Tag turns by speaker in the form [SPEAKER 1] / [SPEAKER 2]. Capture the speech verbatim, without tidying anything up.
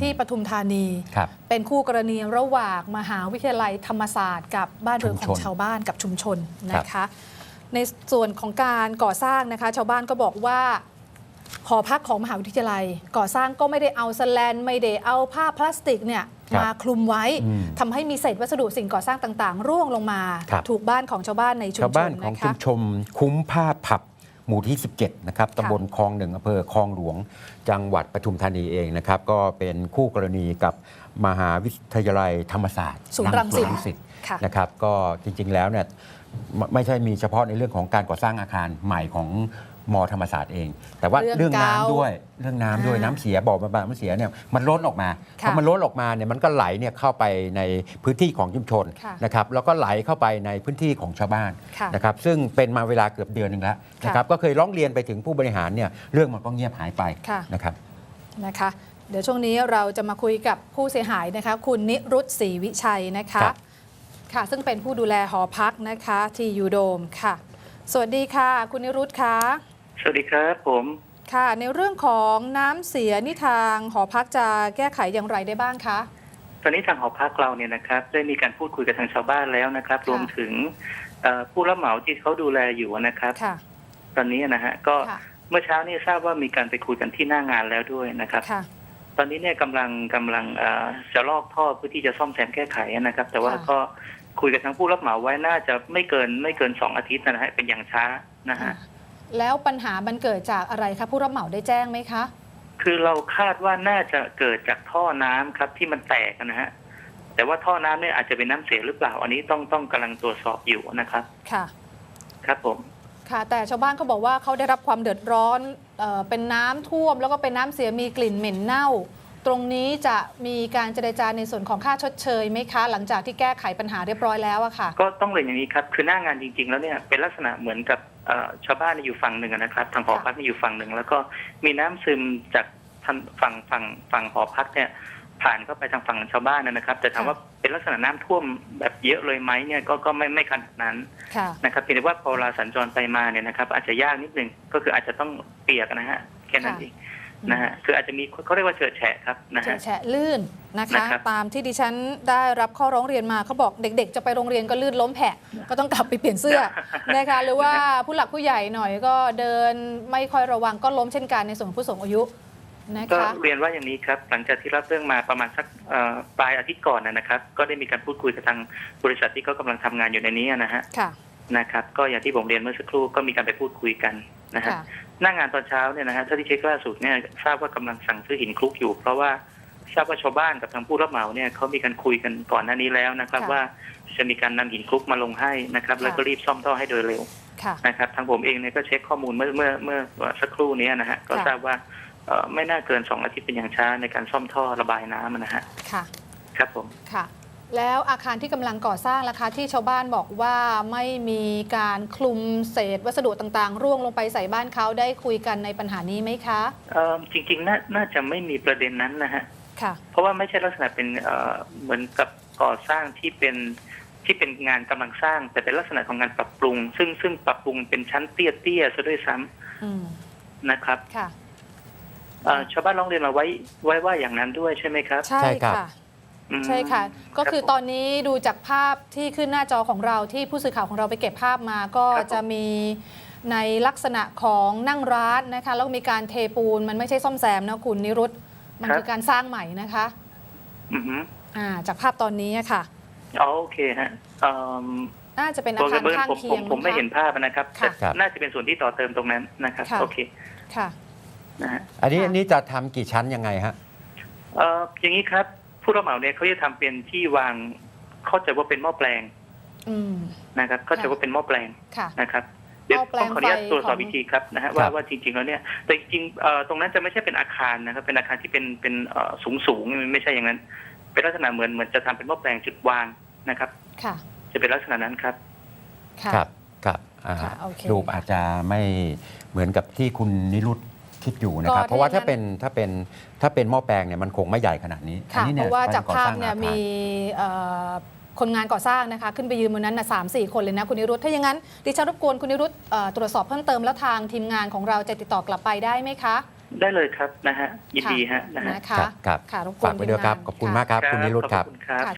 [SPEAKER 1] ที่ปทุมธานีเป็นคู่กรณีระหว่างมหาวิทยาลัยธรรมศาสตร์กับบ้านเรือนของชาวบ้านกับชุมชนนะคะในส่วนของการก่อสร้างนะคะชาวบ้านก็บอกว่าหอพักของมหาวิทยาลัยก่อสร้างก็ไม่ได้เอาสแลนไม่ได้เอาผ้าพลาสติกเนี่ยมาคลุมไว้ทำให้มีเศษวัสดุสิ่งก่อสร้างต่างๆร่วงลงมาถูกบ้านของชาวบ้านในชุมชนนะคะชาวบ้านของชุมชนคุ้มผ้าผับหมู่ที่สิบเจ็ดนะครับตำบลคลองหนึ่งอำเภอคลองหลวงจังหวัดปทุมธานีเองนะครับก็เป็นคู่กรณีกับมหาวิทยาลัยธรรมศาสตร์ศูนย์รังสิต
[SPEAKER 2] นะครับก็จริงๆแล้วเนี่ยไม่ใช่มีเฉพาะในเรื่องของการก่อสร้างอาคารใหม่ของมธรรมศาสตร์เอง แต่ว่าเรื่องน้ำด้วยเรื่องน้ำด้วยน้ำเสียบ่อบำบัดน้ำเสียเนี่ยมันล้นออกมาพอมันล้นออกมาเนี่ยมันก็ไหลเนี่ยเข้าไปในพื้นที่ของชุมชนนะครับแล้วก็ไหลเข้าไปในพื้นที่ของชาวบ้านนะครับซึ่งเป็นมาเวลาเกือบเดือนหนึ่งแล้วนะครับก็เคยร้องเรียนไปถึงผู้บริหารเนี่ยเรื่องมันก็เงียบหายไปนะครับ
[SPEAKER 1] นะคะเดี๋ยวช่วงนี้เราจะมาคุยกับผู้เสียหายนะคะคุณนิรุตศรีวิชัยนะคะค่ะซึ่งเป็นผู้ดูแลหอพักนะคะที่ยูโดมค่ะสวัสดีค่ะคุณนิรุตค่ะ
[SPEAKER 3] สวัสดีครับผม
[SPEAKER 1] ค่ะในเรื่องของน้ำเสียนี่ทางหอพักจะแก้ไขอย่างไรได้บ้างคะ
[SPEAKER 3] ตอนนี้ทางหอพักเราเนี่ยนะครับได้มีการพูดคุยกับทางชาวบ้านแล้วนะครับรวมถึงผู้รับเหมาที่เขาดูแลอยู่นะครับตอนนี้นะฮะก็เมื่อเช้านี้ทราบว่ามีการไปคุยกันที่หน้างานแล้วด้วยนะครับตอนนี้เนี่ยกำลังกำลังจะลอกท่อเพื่อที่จะซ่อมแซมแก้ไขนะครับแต่ว่าก็คุยกับทางผู้รับเหมาไว้น่าจะไม่เกินไม่เกินสองอาทิตย์นะฮะเป็นอย่างช้านะฮะ
[SPEAKER 1] แล้วปัญหามันเกิดจากอะไรคะผู้รับเหมาได้แจ้งไหมคะ
[SPEAKER 3] คือเราคาดว่าน่าจะเกิดจากท่อน้ำครับที่มันแตกนะฮะแต่ว่าท่อน้ำเนี่ยอาจจะเป็นน้ำเสียหรือเปล่าอันนี้ต้องต้องกำลังตรวจสอบอยู่นะครับ
[SPEAKER 1] ค่ะ
[SPEAKER 3] ครับผม
[SPEAKER 1] ค่ะแต่ชาวบ้านเขาบอกว่าเขาได้รับความเดือดร้อนเอ่อเป็นน้ำท่วมแล้วก็เป็นน้ำเสียมีกลิ่นเหม็นเน่าตรงนี้จะมีการเจรจาในส่วนของค่าชดเชยไหมคะหลังจากที่แก้ไขปัญหาเรียบร้อยแล้วอะค่ะ
[SPEAKER 3] ก็ต้องเรียนอย่างนี้ครับคือหน้างานจริงๆแล้วเนี่ยเป็นลักษณะเหมือนกับชาวบ้านอยู่ฝั่งหนึ่งนะครับทางหอพักอยู่ฝั่งหนึ่งแล้วก็มีน้ำซึมจากทางฝั่งฝั่งฝั่งหอพักเนี่ยผ่านเข้าไปทางฝั่งชาวบ้านนะครับแต่ถามว่าเป็นลักษณะน้ำท่วมแบบเยอะเลยไหมเนี่ยก็ก็ไม่ไม่ขนาดนั้นนะครับเพียงแต่ว่าพอเวลาสัญจรไปมาเนี่ยนะครับอาจจะยากนิดนึงก็คืออาจจะต้องเปียกนะฮะแค่นั้นเองนะฮะคืออาจจะมีเขาเรียกว่าเฉอะแฉะครับนะฮะ
[SPEAKER 1] เฉอะแฉะลื่นนะคะตามที่ดิฉันได้รับข้อร้องเรียนมาเขาบอกเด็กๆจะไปโรงเรียนก็ลื่นล้มแผะก็ต้องกลับไปเปลี่ยนเสื้อนะคะหรือว่าผู้หลักผู้ใหญ่หน่อยก็เดินไม่ค่อยระวังก็ล้มเช่นกันในส่วนผู้สูงอายุนะคะ
[SPEAKER 3] ก็เรียนว่าอย่างนี้ครับหลังจากที่รับเรื่องมาประมาณสักปลายอาทิตย์ก่อนนะครับก็ได้มีการพูดคุยกับทางบริษัทที่เขากำลังทำงานอยู่ในนี้นะฮะนะครับก็อย่างที่ผมเรียนเมื่อสักครู่ก็มีการไปพูดคุยกันนะฮะหน้างานตอนเช้าเนี่ยนะฮะถ้าที่เช็คล่าสุดเนี่ยทราบว่ากำลังสั่งซื้อหินคลุกอยู่เพราะว่าทราบว่าชาวบ้านกับทางผู้รับเหมาเนี่ยเขามีการคุยกันก่อนหน้านี้แล้วนะครับว่าจะมีการนำหินคลุกมาลงให้นะครับแล้วก็รีบซ่อมท่อให้โดยเร็วนะครับทางผมเองเนี่ยก็เช็คข้อมูลเมื่อเมื่อเมื่อสักครู่นี้นะฮะก็ทราบว่าไม่น่าเกินสองอาทิตย์เป็นอย่างช้าในการซ่อมท่อระบายน้ำนะฮะ
[SPEAKER 1] ค่ะ
[SPEAKER 3] ครับผม
[SPEAKER 1] ค่ะแล้วอาคารที่กำลังก่อสร้างราคาที่ชาวบ้านบอกว่าไม่มีการคลุมเศษวัสดุต่างๆร่วงลงไปใส่บ้านเขาได้คุยกันในปัญหานี้ไหมคะ
[SPEAKER 3] จริงๆ น่าน่าจะไม่มีประเด็นนั้นนะฮะ
[SPEAKER 1] ค่ะ
[SPEAKER 3] เพราะว่าไม่ใช่ลักษณะเป็นเหมือนกับก่อสร้างที่เป็นที่เป็นงานกำลังสร้างแต่เป็นลักษณะของงานปรับปรุงซึ่งซึ่งปรับปรุงเป็นชั้นเตี้ยๆซะด้วยซ้ำนะครับ
[SPEAKER 1] ค่ะ
[SPEAKER 3] ชาวบ้านร้องเรียนมาไว้ไว้ว่าอย่างนั้นด้วยใช่ไหมครับ
[SPEAKER 1] ใช่ค่ะใช่ค่ะก็คือตอนนี้ดูจากภาพที่ขึ้นหน้าจอของเราที่ผู้สื่อข่าวของเราไปเก็บภาพมาก็จะมีในลักษณะของนั่งร้านนะคะแล้วมีการเทปูนมันไม่ใช่ซ่อมแซมนะคุณนิรุตมันคือการสร้างใหม่นะคะอ่าจากภาพตอนนี้ค่ะ
[SPEAKER 3] อ๋อโอเคฮะ
[SPEAKER 1] น่าจะเป็นอาคารข้างเคียง
[SPEAKER 3] ผมไม่เห็นภาพนะครับแต่น่าจะเป็นส่วนที่ต่อเติมตรงนั้นนะครับโอเค
[SPEAKER 1] ค่ะ
[SPEAKER 3] นะฮะ
[SPEAKER 2] อันนี้อันนี้จะทำกี่ชั้นยังไงฮะ
[SPEAKER 3] เอ่ออย่างนี้ครับผู้รับเหมาเนี่ยเขาจะทำเป็นที่วางเข้าใจว่าเป็นหม้อแปลงนะครับเข้าใจว่าเป็นหม้อแปลงนะครับเดี๋ยวต้องขออนุญาตตรวจสอบวิธีครับนะฮะว่าว่าจริงๆแล้วเนี่ยแต่จริงๆตรงนั้นจะไม่ใช่เป็นอาคารนะครับเป็นอาคารที่เป็นเป็นสูงสูงไม่ใช่อย่างนั้นเป็นลักษณะเหมือนเหมือนจะทำเป็นหม้อแปลงจุดวางนะครับจะเป็นลักษณะนั้นครับ
[SPEAKER 2] ครับครับรูปอาจจะไม่เหมือนกับที่คุณนิรุตคิดอยู่นะครับเพราะว่าถ้าเป็นถ้าเป็นถ้าเป็นหม้อแปลงเนี่ยมันคงไม่ใหญ่ขนาดนี้
[SPEAKER 1] ค่ะเพราะว่าจากภาพเนี่ยมีคนงานก่อสร้างนะคะขึ้นไปยืนบนนั้นนะสามสี่คนเลยนะคุณนิรุตถ้าอย่างนั้นดิฉันรบกวนคุณนิรุตตรวจสอบเพิ่มเติมแล้วทางทีมงานของเราจะติดต่อกลับไปได้ไหมคะ
[SPEAKER 3] ได้เลยครับนะฮะยินดีฮะนะฮะ
[SPEAKER 1] นะคะ
[SPEAKER 2] ครับครับ
[SPEAKER 1] ค่ะรบกวน
[SPEAKER 2] ฝากไว้ด้วยครับ
[SPEAKER 1] ทีมงาน
[SPEAKER 2] ขอบคุณ
[SPEAKER 1] ค่ะ
[SPEAKER 2] มากครับ คุณนิรุตครับ
[SPEAKER 3] ขอบคุณครับ